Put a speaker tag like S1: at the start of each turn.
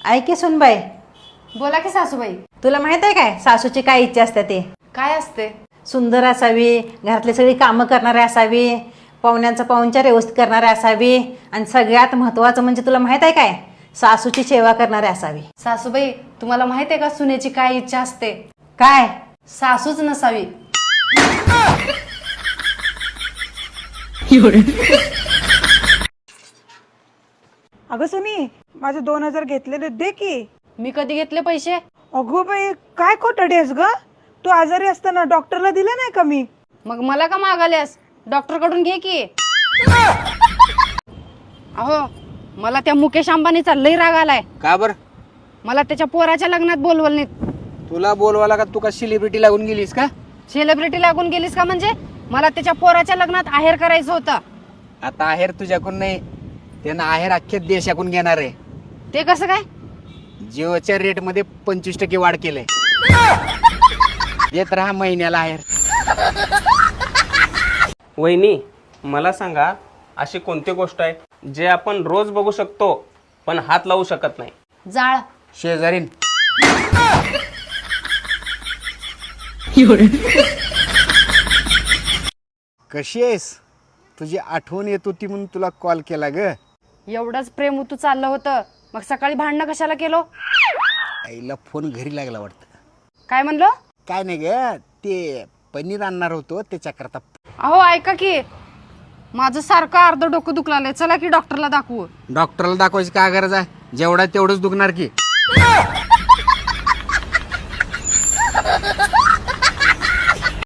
S1: ऐके सुनबाई,
S2: बोला की सासूबाई.
S1: तुला माहित आहे काय सासूची काय इच्छा असते ते?
S2: काय असते?
S1: सुंदर असावी, घरातली सगळी कामं करणारी असावी, पाहुण्यांचा पाहुणचार व्यवस्थित करणारी असावी आणि सगळ्यात महत्त्वाचं म्हणजे तुला माहित आहे काय, सासूची सेवा करणारी असावी.
S2: सासूबाई, तुम्हाला माहित आहे का सुनेची काय इच्छा असते?
S1: काय?
S2: सासूच नसावी.
S3: अगं सुनी, माझे 2000 घेतलेले दे की.
S2: मी कधी घेतले पैसे?
S3: अगो बाई, काय खोटाडेस ग. तू आजारी असताना डॉक्टरला दिले नाही का मी?
S2: मग मला का मागाल्यास? डॉक्टर कडून घे की. अहो, मला त्या मुकेश अंबानीचा लई राग आलाय.
S4: का बर?
S2: मला त्याच्या पोराच्या लग्नात बोलवलं नाही.
S4: तुला बोलवायला का? तू का सेलिब्रिटी लागून गेलीस का?
S2: सेलिब्रिटी लागून गेलीस का? म्हणजे मला त्याच्या पोराच्या लग्नात आहेर करायचं होतं.
S4: आता आहेर तुझ्याकडून नाही, त्यांना आहेर अख्ख्या देशाकडून घेणार आहे.
S2: ते कसं काय?
S4: जिओच्या रेट मध्ये 25% वाढ केलंय. येत राहा महिन्याला आहेर.
S5: वहिनी, मला सांगा, अशी कोणती गोष्ट आहे जे आपण रोज बघू शकतो पण हात लावू शकत नाही?
S2: जाळ.
S4: शेजारीन. कशी आहेस? तुझी आठवण येत होती म्हणून तुला कॉल केला ग.
S2: एवढंच प्रेम तू चाललं होतं, मग सकाळी भांडणं कशाला केलो?
S4: आईला फोन घरी लागला वाटतं.
S2: काय म्हणलो?
S4: काय नाही ग, ते पनीर आणणार होतो त्याच्याकरता.
S2: अहो ऐका की, माझं सारखं अर्ध डोकं दुखलाय. चला की डॉक्टरला दाखवू.
S4: डॉक्टरला दाखवायची काय गरज आहे? जेवढा तेवढंच दुखणार की.